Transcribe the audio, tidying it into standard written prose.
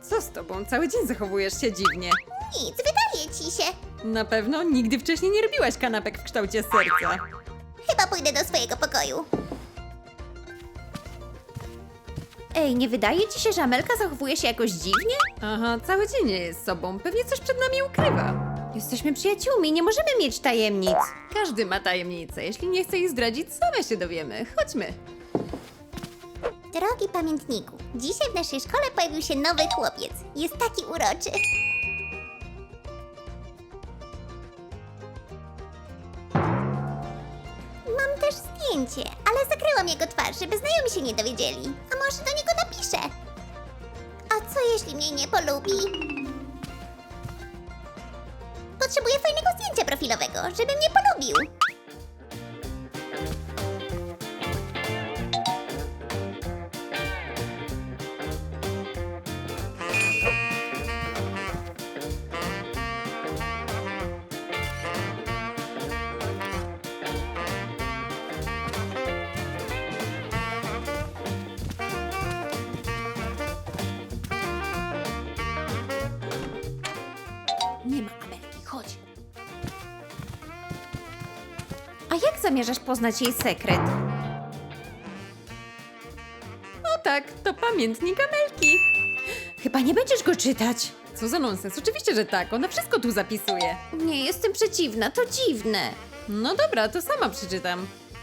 Co z tobą? Cały dzień zachowujesz się dziwnie. Nic, wydaje ci się. Na pewno nigdy wcześniej nie robiłaś kanapek w kształcie serca. Chyba pójdę do swojego pokoju. Ej, nie wydaje ci się, że Amelka zachowuje się jakoś dziwnie? Aha, cały dzień nie jest sobą. Pewnie coś przed nami ukrywa. Jesteśmy przyjaciółmi, nie możemy mieć tajemnic. Każdy ma tajemnicę. Jeśli nie chce ich zdradzić, same się dowiemy. Chodźmy. Drogi pamiętniku, dzisiaj w naszej szkole pojawił się nowy chłopiec. Jest taki uroczy. Mam też zdjęcie, ale zakryłam jego twarz, żeby znajomi się nie dowiedzieli. A może do niego napiszę? A co jeśli mnie nie polubi? Potrzebuję fajnego zdjęcia profilowego, żeby mnie polubił. Nie ma Amelki, chodź. A jak zamierzasz poznać jej sekret? O tak, to pamiętnik Amelki. Chyba nie będziesz go czytać. Co za nonsens. Oczywiście, że tak. Ona wszystko tu zapisuje. Nie, jestem przeciwna, to dziwne. No dobra, to sama przeczytam.